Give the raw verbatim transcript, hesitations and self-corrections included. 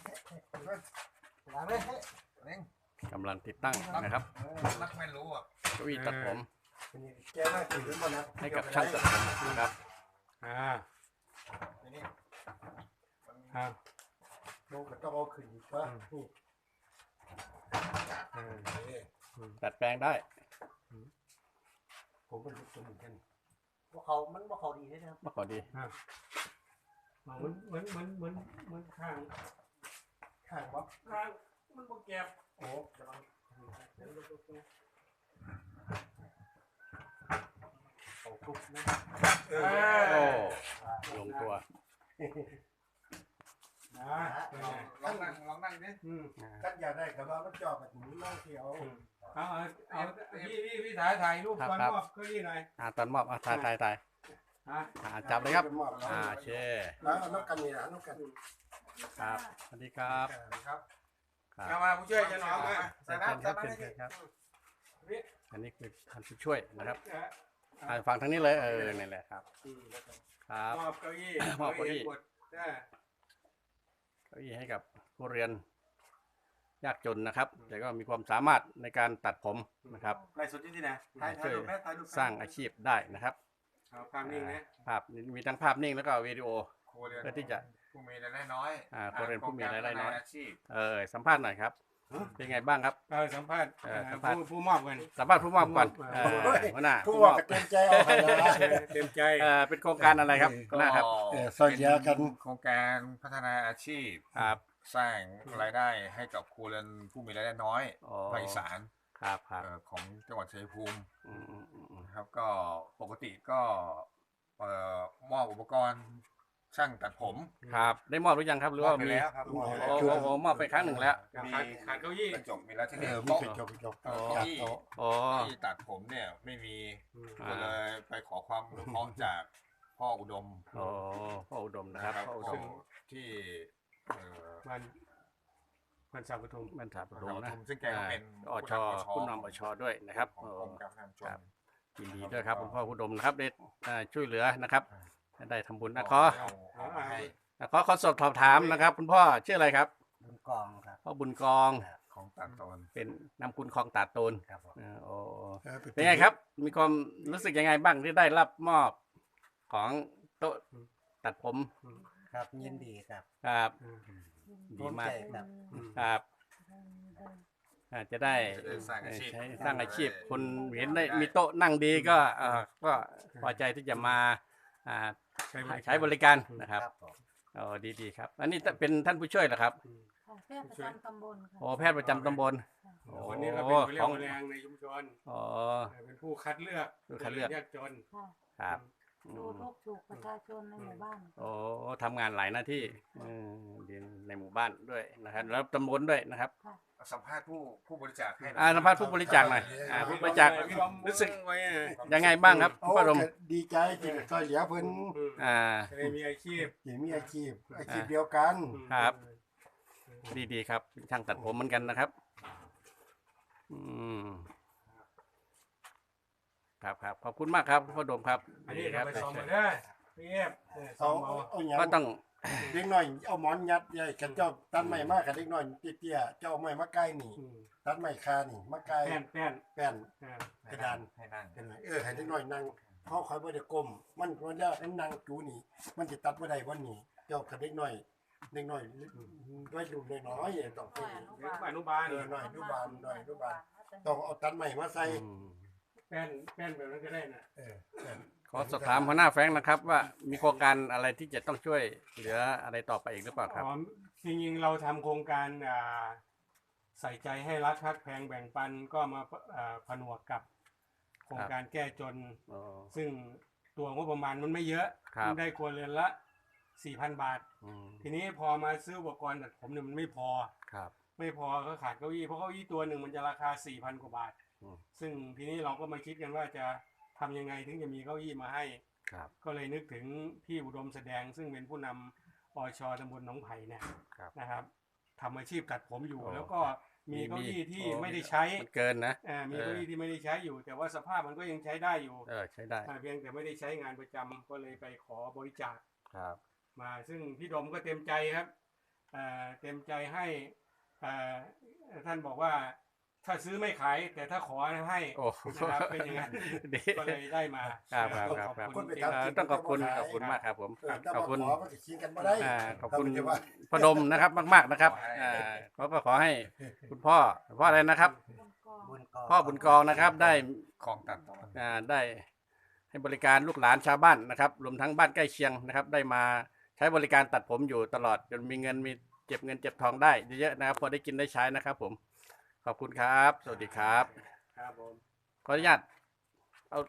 ล้างเลยเร่งกำลังติดตั้งนะครับนักไม่รู้อ่ะเก้าอี้ตัดผมแกน่าถือหมดนะให้กับช่างตัดผมนะครับอ่าทีนี้อ่าโมก็ต้องเอาขึ้นอีกป่ะนี่อ่าตัดแปลงได้ผมเป็นลูกตัวเหมือนกันพวกเขามันพวกเขาดีใช่ไหมครับมาก่อนดีเหมือนเหมือนเหมือนเหมือนเหมือนข้างข้างวัดข้างมันบ่เก็บโอ้กำลังเอาทุกนะเอโอ้อลงตัวนะลองนั่งลองนั่งดิอืมกันอยากได้กับว่ามันจอแบบนี้มากที่เอาเอาเอาเอาพี่พี่พี่ถ่ายถ่ายรูปก่อนมอบเก้าอี้หน่อยอ่าตอนมอบอ่ะถ่ายถ่ายถ่ายฮะอ่าจับเลยครับมอบแล้วอ่าโอเคแล้วเอาน้ำกันนี่นะน้ำกันครับสวัสดีครับครับครับเอามาผู้ช่วยจะน้องมาใส่น้ำใส่น้ำให้ดิครับ อันนี้คือท่านผู้ช่วยนะครับเอ่ออ่าฟังทางนี้เลยเออนี่แหละครับอืมครับมอบเก้าอี้มอบเก้าอี้กดได้เก้าอี้ให้กับผู้เรียนยากจนนะครับ แต่ก็มีความสามารถในการตัดผมนะครับไล่สดที่ไหนถ่ายถ่ายรูปแม่ถ่ายรูปสร้างอาชีพได้นะครับเอาภาพนิ่งนะภาพมีทั้งภาพนิ่งแล้วก็วิดีโอครัวเรือนเพื่อที่จะผู้มีรายได้น้อยอ่าครัวเรือนผู้มีรายได้น้อยอาชีพเออสัมภาษณ์หน่อยครับ เป็นไงบ้างครับเราสัมภาษณ์เออสัมภาษณ์ผู้ผู้มอบกันสัมภาษณ์ผู้มอบก่อนเออหัวหน้าผู้ผู้ว่ามอบกับเต็มใจเอาไปนะเต็มใจเออเป็นโครงการอะไรครับหัวหน้าครับเออซอยเดียวกันโครงการพัฒนาอาชีพครับสร้างรายได้ให้กับครัวเรือนผู้มีรายได้น้อยอ๋อภาคอีสานครับครับเอ่อของจังหวัดชัยภูมิอืมอืมอืมอืมนะครับก็ปกติก็เอ่อมอบอุปกรณ์ช่างตัดผมครับได้มอบหรือยังครับหรือว่าไปมีแล้วครับโอ้โหโอ้โหมอบไปครั้งหนึ่งแล้วขาดขาดเก้าอี้กระจกมีแล้วที่เอนี่อมีโต๊ะกระจกกระจกเอ่อจัเก้าดอี้โต๊ะอ๋อที่ตัดผมเนี่ยไม่มีอ่าก็เลยไปขอความอนุเคราะห์จากพ่ออุดมอ๋อพ่ออุดมนะครับพ่ออุดซึ่มงที่เอ่อมันมันสาวปทุมบรรทาปอุฐมนะดมซึ่งแกก็เป็นอชผู้นำอชด้วยนะครับของโอ้กรมการพัฒนาชุมชครันบ ยินดีด้วยครับคุณพ่ออุดมนะครับได้อ่าช่วยเหลือนะครับได้ทำบุญนะขอเอาเอามาให้ขอขอสอบถามนะครับ คุณพ่อชื่ออะไรครับบุญกองครับพ่อบุญกองของตัดตอนเป็นนามคุณคลองตาดโตนครับผมอ่าโอ้ออเป็นไงครับ มีความรู้สึกยังไงบ้างที่ได้รับมอบของโต๊ะตัดผมครับยินดีครับครับอืมดีมากภูใจครับครับอาจจะได้จะได้สร้างอาชีพใช้สร้างอาชีพ คนเห็นได้มีโต๊ะนั่งดีก็เอ่อก็พอใจที่จะมาอ่าใช้บริการใช้บริการนะครับครับผมอ๋อดีดีครับ อันนี้เป็นท่านผู้ช่วยเหรอครับของแพทย์ประจำตำบลค่ะโอ้แพทย์ประจำตำบล โอ้วันนี้เราเป็นผู้เรียขกองแรงในชุมชนอ๋อเป็นผู้คัดเลือกผู้คัดเลือกยากจนค่ะครับอืดูมทุกข์สุขประชาชนในหมู่บ้านโอ้ทำงานหลายหน้าที่อืมดีในหมู่บ้านด้วยนะครับ แล้วตำบลด้วยนะครับสัมภาษณ์ผู้ผู้บริจาคให้หน่อ่าสัมภาษณ์ผู้บริจาคหน่อยอ่าผู้บริจาคพี่บอมรู้สึกไว้อะยังไงบ้างครับโอ้พ่อดมก็ดีใจที่ซอยเหลือเพิ่นอืมอ่าจะได้มีอาชีพที่มีอาชีพอาชีพเดียวกันครับ ดีดีครับช่างตัดผมเหมือนกันนะครับ อืมครับครับขอบคุณมากครับพ่อดมครับอันนี้ดีคเรารับไปส่งมาได้พี่เอฟเออส่เอางมาเอาหยังก็ต้องเด็กน้อยเอาหมอนยัดใหญ่กันเจ้าตัดไม้มากกับเด็กน้อยเตี้ยๆเจ้าเอาไม้มาใกล้นี่อืมตัดไม้คานี่มาใกล้แป้นแป้นแป้นอ่ากระดานให้นั่งเป็นไรเออให้เด็กน้อยนั่งเขาคอยบ่ได้ก้มมันมันจะนั่งจูนี่ มันจะตัดบ่ได้วันนี้เจ้ากับเด็กน้อยเด็กน้อยด้วยดูน้อยๆต้องไปเด็กอนุบาลเออหน่อยอนุบาลหน่อยอนุบาลต้องเอาตัดไม้มาใส่อืมแป้นแป้นแบบนั้นก็ได้นะเออแป้นขอสอบถามหัวหน้าแฟรงค์นะครับ ว่ามีโครงการอะไรที่จะต้องช่วยเหลืออะไรต่อไปอีกหรือเปล่าครับอ๋อจริงๆเราทำโครงการอ่าใส่ใจให้รักทักแพงแบ่งปันก็มาอ่าผนวกกับ โครงการแก้จนอ๋อซึ่งตัวงบประมาณมันไม่เยอะครับมันได้ครัวเรือนละสี่พันบาทอืมทีนี้พอมาซื้ออุปกรณ์ตัดผมเนี่ยมันไม่พอครับไม่พอก็ขาดเก้าอี้เพราะเก้าอี้ตัวหนึ่งมันจะราคาสี่พันกว่าบาทอืมซึ่งทีนี้เราก็มาคิดกันว่าจะทำยังไงถึงจะมีเก้าอี้มาให้ครับก็เลยนึกถึงพี่อุดมแสดง ซึ่งเป็นผู้นำอชตำบลหนองไผ่เนี่ยครับนะครับทำอาชีพตัดผมอยู่อ๋อแล้วก็มีเก้าอี้ที่อ๋อไม่ได้ใช้มันเกินนะอ่ามีเออเก้าอี้ที่ไม่ได้ใช้อยู่ แต่ว่าสภาพมันก็ยังใช้ได้อยู่เออใช้ได้อ่าเพียงแต่ไม่ได้ใช้งานประจำก็เลยไปขอบริจาคครับมาซึ่งพี่ดมก็เต็มใจครับเอ่อเต็มใจให้เอ่อท่านบอกว่าถ้าซื้อไม่ขายแต่ถ้าขอให้โอ้นะครับเป็นอย่างนั้นดีก็เลยได้มาครับครับครับขอบครับคุณจริงเอ่อต้องขอบคุณขอบคุณมากครับผมเออถ้าขอบมาคุณขอมันก็ขิงกันบ่ได้อ่าขอบคุณเราไม่ได้ว่าพอดมนะครับมากๆนะครับอ่าขอก็ขอให้คุณพ่อพ่ออะไรนะครับบนกองบุญกองพ่อบุญกองนะครับได้ของตัดตอนอ่าได้ให้บริการลูกหลานชาวบ้านนะครับรวมทั้งบ้านใกล้เคียงนะครับ ได้มาใช้บริการตัดผมอยู่ตลอดจนมีเงินมีเก็บเงินเก็บทองได้เยอะๆนะครับพอได้กินได้ใช้นะครับ ผมขอบคุณครับ สวัสดีครับครับผมขออนุญาต